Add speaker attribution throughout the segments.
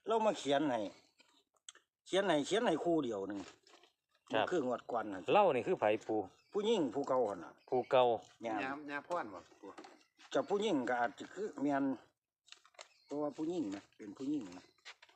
Speaker 1: เรามาเขียนให้คู่เดียวหนึ่งคืองวดก่อนน่ะ
Speaker 2: เล่านี่คือไผปู
Speaker 1: ผู้หญิงผู้เก่าหั่นน่ะ
Speaker 2: ปูเก่า
Speaker 1: เนี่ย
Speaker 3: ยาพ่อนบ่ปู
Speaker 1: จะผู้หญิงก็อาจจะคือเมียนตัวผู้หญิงนะเป็นผู้หญิงนะ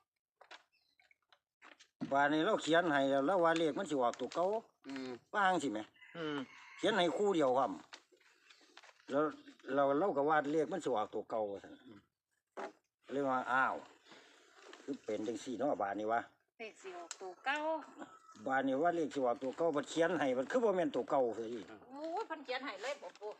Speaker 1: ว่านี่เราเขียนให้แล้วว่าเลขมันสิออกตัวเก่าว่าจังสิแหม เขียนให้คู่เดียวครับแล้วเราก็วาดเลขมันสิออกตัวเก่าซั่นเรียกว่าอ้าวคือเป็นจังซี่เนาะบาดนี้วะ
Speaker 4: เลขสิออกตัวเก้า
Speaker 1: บาดนี้ว่าเลขสิออกตัวเก่าบ่เขียนให้มันคือบ่แม่นตัวเก่าซะอี
Speaker 4: โอ้ยเพันเขียนให้เลยบ่ปู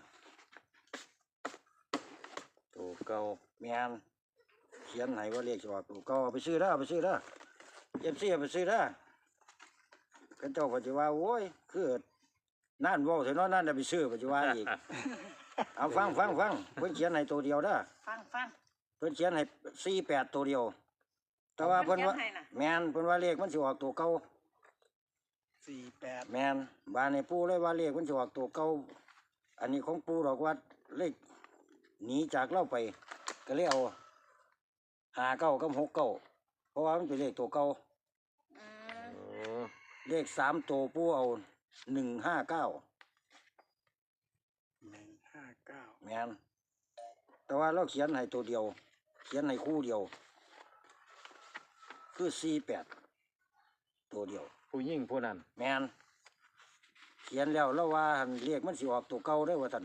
Speaker 1: ตัวเก่าแม่นเขียนให้ว่าเลขสิออกตัวเก่าเอาไปซื้อเด้อFCเอาไปซื้อเด้อเขาเจ้าก็สิว่าโอ้ยคือนั่นเว้าซะเนาะนั่นน่ะไปซื้อก็สิว่าอีก เอาฟังเพิ่นเขียนให้ตัวเดียวเด้อ
Speaker 4: ฟัง
Speaker 1: เพิ่นเขียนให้48ตัวเดียว แต่ว่าเพิ่นว่า
Speaker 4: เพิ่นเขียนให้น่ะ
Speaker 1: แม่นเพิ่นว่าเลขมันสิออกตัวเก่า
Speaker 3: 48
Speaker 1: แม่นบ้านในปู่เลยว่าเลขมันสิออกตัวเก่าอันนี้ของปู่ดอกว่าเลขหนีจากเราไป ก็เลยเอา59กับ69เพราะว่ามันเป็นเลขตัวเก่า
Speaker 4: อืม
Speaker 2: โอ้
Speaker 1: เลข3ตัวปู่เอา159
Speaker 3: 159
Speaker 1: แม่นแต่ว่าเราเขียนให้ตัวเดียว เขียนให้คู่เดียว คือ48ตัวเดียว
Speaker 2: ผู้ยิ่งผู้นั้น
Speaker 1: แม่นเขียนแล้วแล้วว่าหั่นเลขมันสิออกตัวเก่าได้อว่าท่าน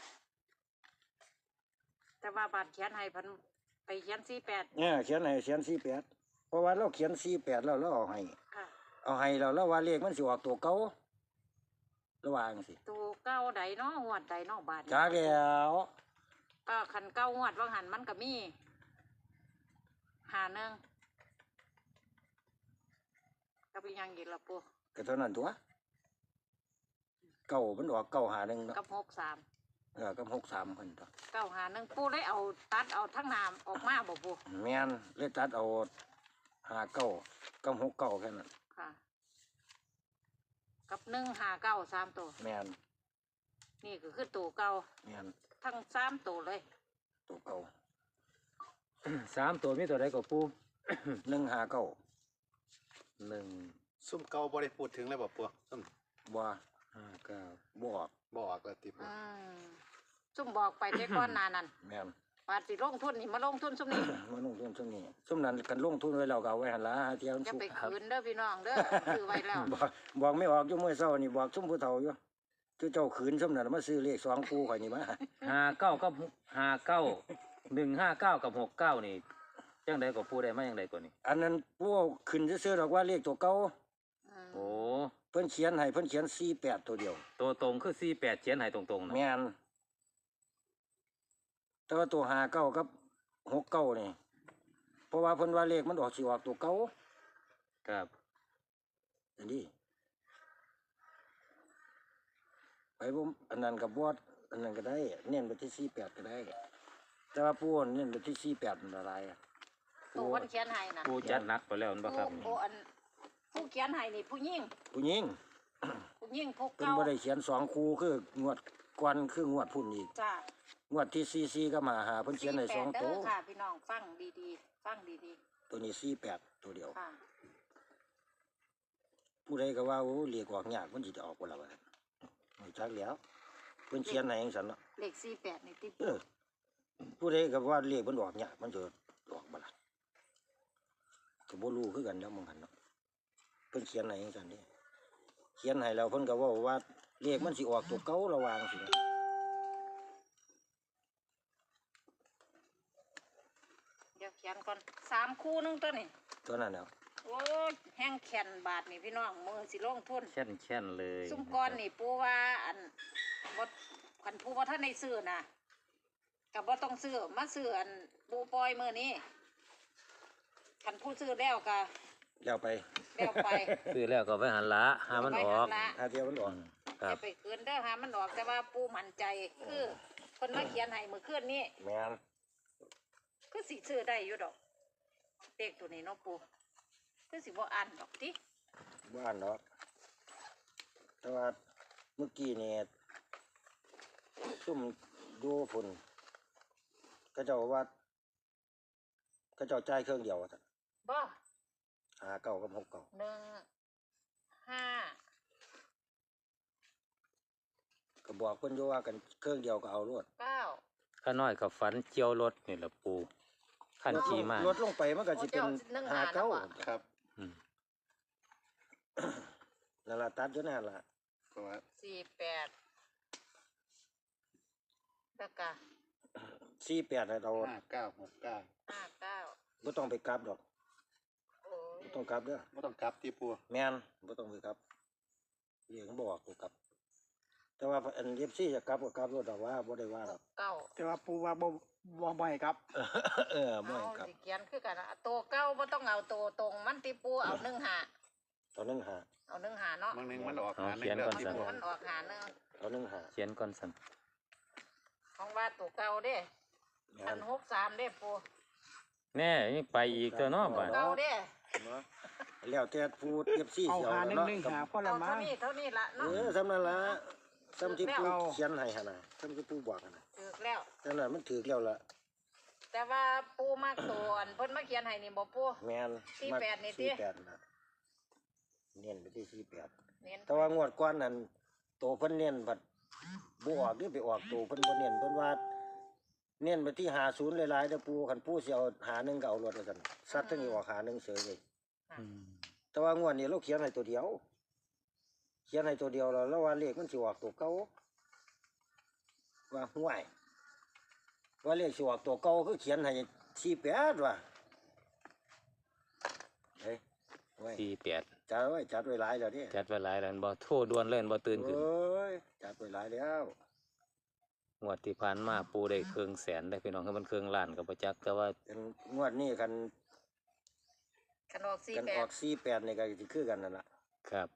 Speaker 4: แต่ว่าบาดเขียนให้เพันไปเขียน48
Speaker 1: เนี่ยเขียน48เพราะว่าเราเขียน48แล้วเราเอาให้
Speaker 4: ค่ะ
Speaker 1: แล้วว่าเลขมันสิออกตัวเก่าระหว่างสิ
Speaker 4: ตัวเก้าใดเนาะงวดใดเนาะบาดนี้
Speaker 1: จ้าแล้ว
Speaker 4: ก็คันเก้างวดว่างหันมันก็มี51ก็เป็นยังอีกล่ะปู
Speaker 1: ก็เท่านั้นตัวเก่ามันออก951เนาะ
Speaker 4: กับ63
Speaker 1: กับ63เพิ่นตัว
Speaker 4: 951ปูได้เอาตัดเอาทั้งน้ำออกมาบ่ปู
Speaker 1: แม่นเลยตัดเอา59กับ69แค่นั้น
Speaker 4: ค่ะ กับ159 3ตัว
Speaker 1: แม่น
Speaker 4: นี่ก็คือตัวเก่า
Speaker 1: แม่น
Speaker 4: ทั้ง3ตัวเลย
Speaker 1: ตัวเก่า
Speaker 2: 3ตัวมีตัวใดก็ปู
Speaker 1: 159
Speaker 2: 1
Speaker 3: ซุ่มเก่าบ่ได้พูดถึงเลยบ่ปูซุ่ม
Speaker 1: บ่
Speaker 2: 5 9
Speaker 1: บ่ออก
Speaker 3: บ่ออกแล้วติปู
Speaker 4: ซุ่มบอกไปแต่ก่อนหนานั่น
Speaker 1: แม่น
Speaker 4: ปาสิลงทุนนี่มาลงทุนซุ่มนี่
Speaker 1: มาลงทุนช่วงนี้ซุ่มนั้นกันลงทุนไว้แล้วก็เอาไว้หันละหาเที่ยว
Speaker 4: จะ
Speaker 1: สุก
Speaker 4: ไปคืนเด้อพี่น้องเด้อซื้อไว้แล้ว
Speaker 1: บอกไม่ออกอยู่มื้อเช้านี่บอกซุ่มผู้เฒ่าอยู่เจ้าขืนซุ่มนั้นมาซื้อเลข2คู่ข่อยนี่มา
Speaker 2: 59กับ59 159กับ69นี่จังไดก็ปูได้มาจังไดก็นี่
Speaker 1: อันนั้นผู้ขึ้นซื่อๆดอกว่าเลขตัวเก่า
Speaker 2: โอ้
Speaker 1: เพิ่นเขียนให้เพิ่นเขียน48ตัวเดียว
Speaker 2: ตัวตรงคือ48เขียนให้ตรงๆนะ
Speaker 1: แม่นแต่ว่าตัว59กับ69นี่เพราะว่าเพิ่นว่าเลขมันออกสิออกตัวเก่า
Speaker 2: ครับ
Speaker 1: อันนี้ไปบ่อันนั้นก็บ่อันนั้นก็ได้เน้นไปที่48ก็ได้ แต่ว่าผู้เน้นไปที่48มันละลายอะ
Speaker 4: ตัวคนเขียนให้น่ะ
Speaker 2: ปูจัดหนักไปแล้วนั่นบ่ครับ
Speaker 4: ผู้อันผู้เขียนให้นี่ผู้หญิง
Speaker 1: ผู้หญิง
Speaker 4: ผู้หญิงผู้
Speaker 1: เพิ่น
Speaker 4: เก่า
Speaker 1: บ่ได้เขียน2คู่คืองวดก่อนคืองวดพุ่นอีก
Speaker 4: จ้าง
Speaker 1: วดที่44ก็มาหาเพิ่นเขียนให้2
Speaker 4: 48
Speaker 1: ตัว
Speaker 4: เด้อค่ะพี่น้องฟังดีๆฟังดี
Speaker 1: ตัวนี้48ตัวเดียว
Speaker 4: ๆค่ะ
Speaker 1: ผู้ใดก็ว่าโอ้เรียกออกยากมันสิจะออกบ่ล่ะว่าไม่จักแล้วเพิ่นเขียนให้จังซั่นเนาะ
Speaker 4: เลข48นี่ติด
Speaker 1: ผู้ใดก็ว่าเรียกมันออกยากมันจะออกบ่ล่ะก็บ่รู้คือกันแล้วมึงหั่นเนาะเพิ่นเขียนให้จังซั่นนี่เขียนให้แล้วเพิ่นก็เว้าว่าเลขมันสิออกตัวเก่าระหว่างสิ
Speaker 4: เดี๋ยวเขียนก่อน3คู่นึงตัวนี่
Speaker 1: ตัวนั้นแล้ว
Speaker 4: โอ้ยแห้งแข็นบาทนี่พี่น้องมือสิลงทุน
Speaker 2: แช่นเลย
Speaker 4: ซุ่มก้อนนี่ปูว่าอันบ่คันปูว่าท่านในซื้อน่ะกับบ่ต้องซื้อมาซื้ออันปูปล่อยมือนี้คันผู้ซื้อแล้วก็
Speaker 1: แล้วไป
Speaker 4: แล้วไป
Speaker 2: ซื้อแล้วก็ไปหันละหามันออก
Speaker 4: ไปหั่นละ
Speaker 1: หาเที่ยวมันออก
Speaker 2: ครั
Speaker 4: จะ
Speaker 2: บ
Speaker 4: ไปคืนเด้อหามันออกแต่ว่าปูมั่นใจคือคนมาเขียนให้มื้อคืนนี้
Speaker 1: แม่น
Speaker 4: คือสิซื้อได้อยู่ดอกเลขตัวนี้เนาะปูคือสิบ่อ่านดอกติ
Speaker 1: บ้านเนาะแต่ว่าเมื่อกี้นี่ซุ่มดูฝุ่นก็เจ้าว่าก็เจ้าจ่ายเครื่องเดียวว่าซั่น
Speaker 4: บ่
Speaker 1: หาเก้ากับหกเก้า
Speaker 4: 1 5
Speaker 1: ก็บอกเพิ่นอยู่ว่ากันเครื่องเดียวก็เอารวด
Speaker 4: 9
Speaker 2: ข้าน้อยกับฝันเจียวรถนี่ล่ะปูขั้นขี่มา
Speaker 1: ลดลงไปมันก็สิเป็น
Speaker 4: โอ้เจ้า
Speaker 1: หาเก้า
Speaker 3: ครับ
Speaker 2: อืม
Speaker 1: นั่นล่ะตัดอยู่นั่นล่ะ
Speaker 3: เพราะว่า
Speaker 4: 48แล้วก็
Speaker 1: 48ให้เรา
Speaker 3: 5969
Speaker 4: 59
Speaker 1: บ่ต้องไปกลับดอก
Speaker 4: โอ้ย
Speaker 1: บ่ต้องกลับเด้อ
Speaker 3: บ่ต้องกลับที่ปู
Speaker 1: แม่นบ่ต้องไปกลับเรียกบ่บอกกูกลับ แต่ว่าอัน FC จะกลับก็กลับรถดอกว่าบ่ได้ว่าดอก
Speaker 4: 9
Speaker 5: แต่ว่าปูว่าบ่ให้ครับ
Speaker 1: บ่ให้กลับ
Speaker 4: สิเขียนคือกันนะตัวเก้าบ่ต้องเอาตัวตรงมันติปูเอา15
Speaker 1: ตอนนึงหา
Speaker 4: เอา15เนาะ
Speaker 3: บางหนึงมันออก
Speaker 2: เอา
Speaker 3: หาหนึ่
Speaker 2: เขียน
Speaker 3: งแล้ว
Speaker 2: ก่อน
Speaker 3: ที่
Speaker 2: สั่น
Speaker 3: ปู
Speaker 4: มันออกหาหนึ่ง
Speaker 1: ตอนนึงหา
Speaker 2: เขียนก่อนสั่น
Speaker 4: ของว่าตัวเก่าเด้
Speaker 1: แม่
Speaker 4: อั
Speaker 1: น
Speaker 4: น63เด้ปู
Speaker 2: แน่ยังไปอีกตัวเนาะบัด
Speaker 4: เก่าเด้
Speaker 1: เนาะแล้วแต่ผู้ FC
Speaker 5: เอา
Speaker 1: สิเอา
Speaker 5: หา
Speaker 1: แล้วเนาะ
Speaker 5: 1 1หาพ่อ
Speaker 4: เอา
Speaker 5: ละมั้
Speaker 4: เท่าง นี้เท่านี้ละ
Speaker 1: เอ
Speaker 4: เนาะ
Speaker 1: อสำนั้นล่ะสำที่ผู้
Speaker 5: แล้ว
Speaker 1: เขียนให้หั่นน่ะสำที่ผู้บอกหั่นน่ะ
Speaker 4: ถูกแล้ว
Speaker 1: นั่นน่ะมันถูกแล้วล่ะ
Speaker 4: แต่ว่าปูมากตัวอันเพิ่นมาเขียนให้นี่บ่ปู
Speaker 1: แม่น
Speaker 4: 48นี่ติ
Speaker 1: 48น่ะเน้นไปที่48
Speaker 4: เน้น
Speaker 1: แต่ว่างวดก่อนนั้นโตเพิ่นเน้นบัดบ่ออกนี่ไปออกโตเพิ่นบ่เน้นเพิ่นว่าเน้นไปที่50หลายๆเด้อปู่คันปู่สิเอา51ก็เอารถว่าซั่นซัดทั้งนี้ออก51เฉยเลย
Speaker 2: อืม
Speaker 1: แต่ว่างวดนี้เราเขียนให้ตัวเดียว เขียนให้ตัวเดียวแล้วว่าเลขมันสิออกตัวเก่าว่าห่วยว่าเลขสิออกตัวเก่าคือเขียนให้48ว่ะเฮ้ยห่วย
Speaker 2: 48
Speaker 1: จัดไว้หลายแล้วเด้
Speaker 2: จัดไว้หลายแล้วบ่โทรด่วนเล่นบ่ตื่นขึ้น
Speaker 1: โอ้ยจัดไว้หลายแล้ว
Speaker 2: งวดที่ผ่านมาปูได้เครื่องแสนได้พี่น้องคือมันเครื่องล้านก็บ่จักแต่ว่า
Speaker 1: เป็นงวดนี้กัน
Speaker 4: คันออก
Speaker 1: กันออก48นี่ก็สิคือกันนั่นล่ะ
Speaker 2: ครับ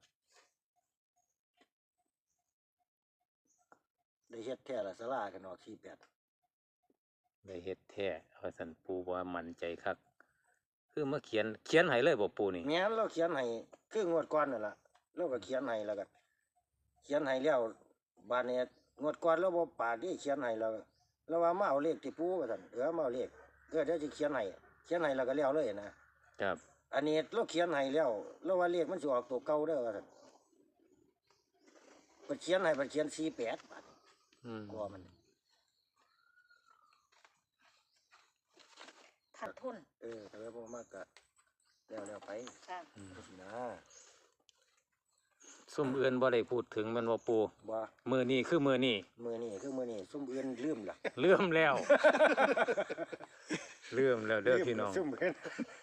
Speaker 1: ได้เฮ็ดแท้ละศาลากันออก48
Speaker 2: ได้เฮ็ดแท้ว่าซั่นปูว่ามั่นใจคักคือมาเขียนให้เลยบ่ปูนี่
Speaker 1: แม่นเราเขียนให้คืองวดก่อนนั่นล่ะเราก็เขียนให้แล้วก็เขียนให้แล้วบาดนี้งวดก่อนเราบ่ปากที่เขียนให้แล้วว่ามาเอาเลขที่ปู่ว่าซั่นมาเอาเลขเดี๋ยวสิเขียนให้แล้วก็แล้วเลยนะครับ อันนี้เราเขียนให้แล้วเราว่าเลขมันสิออกตัวเก่าเด้อว่าซั่นเพิ่นเขียนให้เพิ่นเขียน48บาดนี้
Speaker 2: อืม
Speaker 1: กลัวมัน
Speaker 4: ขาดทุน
Speaker 1: แต่ว่าบ่มากก็แล้วไป
Speaker 4: ค่ะ
Speaker 1: สินะ
Speaker 2: ซุ่มอื่นบ่ได้พูดถึงแมันบ่ปู
Speaker 1: บ่
Speaker 2: มื้อนี้คือมื้อนี้
Speaker 1: มื้อนี้คือมื้อนี้ซุ่มอื่นลืมล่ะ
Speaker 2: เลื่อมแล้ว เลื่อมแล้วเด้อพี่น้อง
Speaker 1: ซุ่มอื่น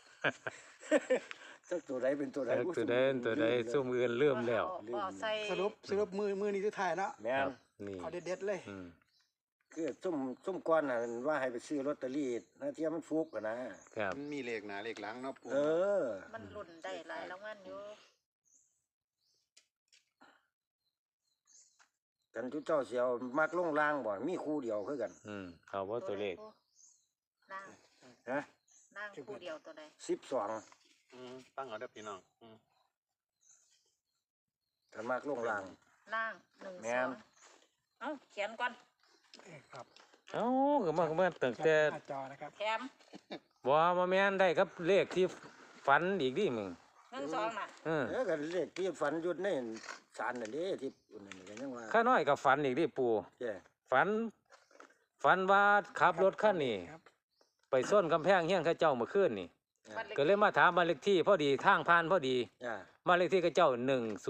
Speaker 1: จักตัวใดเป็นตัวใด
Speaker 2: ตัวใดตัวใดซุ่มอื่นเลื่อมแล้ว
Speaker 4: บ่ใส่
Speaker 5: สรุปมือนี้สุดท้ายเนาะ
Speaker 1: แม่
Speaker 2: ครั
Speaker 1: น
Speaker 2: บนี่
Speaker 5: เอาเด็ดๆเลย
Speaker 2: อืม
Speaker 1: คือซุ่มก้อนน่ะว่าให้ไปซื้อลอตเตอรี่นะเที่ยมันฟุกอะนะครับ
Speaker 3: มันมีเลขหน้าเลขหลังเนาะปู
Speaker 1: เออ
Speaker 4: มันหลุ่นได้หลายรางวัลอยู่
Speaker 1: กันทุกเจ้าเสียวมักลงล่างบ่มีคู่เดียวคือกัน
Speaker 2: เอาว่าตัวเลข
Speaker 4: นั่ง
Speaker 1: ฮะ
Speaker 4: นั่งคู่เดียวตัวใด
Speaker 1: 12
Speaker 3: ฟังเอาเด้อพี่น้อง
Speaker 1: กันมักลงล่าง
Speaker 4: นั่ง1
Speaker 1: แม่น
Speaker 4: 2เอ้าเขียนก่อน
Speaker 5: ครับ
Speaker 2: เอ้าก็มาตั้งแต่
Speaker 5: หน้าจอนะครับ
Speaker 4: แถม
Speaker 2: บ่แม่นได้ครับเลขที่ฝันอีกดิมึง
Speaker 4: 1 2น่ะ
Speaker 1: กันเลขที่ฝันอยู่ในศาลนั่นเด้ที่อุ่นนั่นก็ยังว่า
Speaker 2: ข้าน้อยก็ฝันอีกดิปู่
Speaker 1: แจ้
Speaker 2: ฝันว่าขับรถคันนี้
Speaker 5: ครับ
Speaker 2: ไปส้นกำแพงเฮียงเข้าเจ้าเมื่อคืนนี่
Speaker 4: บ้านเล็ก
Speaker 2: ก็เลยมาถามบ้านเลขที่พอดีทางผ่านพอดี
Speaker 1: จ้า
Speaker 2: บ้านเลขที่เข้าเจ้า102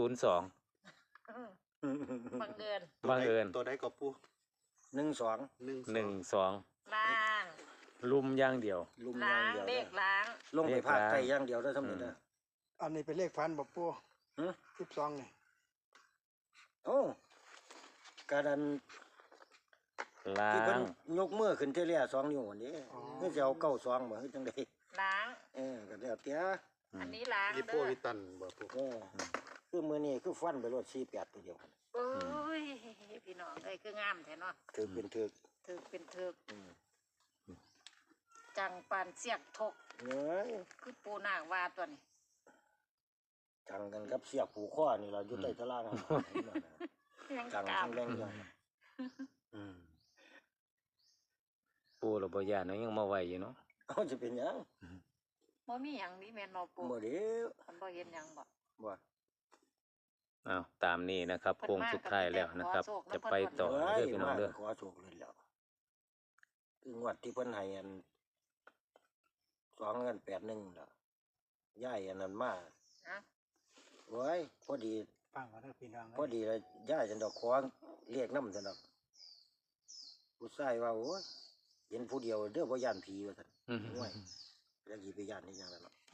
Speaker 4: บังเอิญ
Speaker 2: บังเอิญ
Speaker 3: ตัวใดก็ปู
Speaker 1: 12
Speaker 2: 12
Speaker 4: ล้าง
Speaker 2: ลุมอย่างเดียว
Speaker 1: ลุมอ
Speaker 4: ล้า
Speaker 1: ย่าง
Speaker 4: ง
Speaker 1: เดียว
Speaker 4: เลขล้าง
Speaker 1: ลงไปภาคใต้อย่างเดียวได้สำเร็จนะ
Speaker 5: อันนี้เป็นเลขฟันบ่ปู
Speaker 1: ฮะ
Speaker 5: 12นี่
Speaker 1: โอ้การอัน
Speaker 2: ล้า
Speaker 1: ที่เพิ่น
Speaker 2: ง
Speaker 1: ยกมือขึ้นเทเลีย2นิ้วอันนี้นี่สิเอา92บ่คือจังได๋
Speaker 4: ล้าง
Speaker 1: ก็แล้วแต่
Speaker 4: อันนี้ล้าง
Speaker 3: ยี่
Speaker 4: เด้
Speaker 3: ปู
Speaker 4: อ
Speaker 3: วิตันบ่ปู
Speaker 1: คือมื้อนี้คือฟันไปรถ48ตัวเดียวกัน
Speaker 4: โอ้ยพี่น้องเอ้ยคืองามแท้เนาะ
Speaker 1: ถือเป็นถือ
Speaker 4: ถือเป็นถือ
Speaker 1: อืม
Speaker 4: จังปานเสียกทก
Speaker 1: เอ้ย
Speaker 4: คือปูนางว่าตัวนี้
Speaker 1: จังกันกับเสียบผูกคอนี่ล่ะอยู่ใต้ตารางนั่น
Speaker 4: ยัง
Speaker 1: จัง
Speaker 4: กล้า
Speaker 1: ทั้งแรงจัง
Speaker 2: ปู่เราบ่ย่านเนาะยังมาไหวอยู่เนาะ
Speaker 1: เอาจะเป็นหยัง
Speaker 4: บ่มีหยังนี่แม่นบ่ปู
Speaker 1: บ่เดียว
Speaker 4: มันบ่เห็นหยังบ่
Speaker 1: บ่
Speaker 2: อ้าวตามนี้นะครับ
Speaker 4: เพิ่น
Speaker 2: โค้ง
Speaker 4: มา
Speaker 2: สุดท้ายแล้วนะครับ
Speaker 4: ก็มีแต่ขอโชค
Speaker 2: จะไปต่อ
Speaker 1: เอ้
Speaker 2: เด้
Speaker 1: ย
Speaker 2: อพี่น้อง
Speaker 1: มา
Speaker 2: เด้อ
Speaker 1: ขอโชคเลยแล้วคืองวดที่เพิ่นให้อัน2 เงิน 8 1แล้วย้ายอันนั้นมา
Speaker 4: ฮะ
Speaker 1: โอ้ยพอดี
Speaker 5: ฟังก่อนเด้อพี่น้อง
Speaker 1: พอดีเลยย้ายจันดอกขอเรียกนำจันดอกผู้ชายว่าโอ้ยเห็นผู้เดียวเด้อบ่ย่านผีว่าซั่น
Speaker 2: อืม
Speaker 1: โอ้ยแล้วสิไปย่านนี่หยังล่ะเนาะ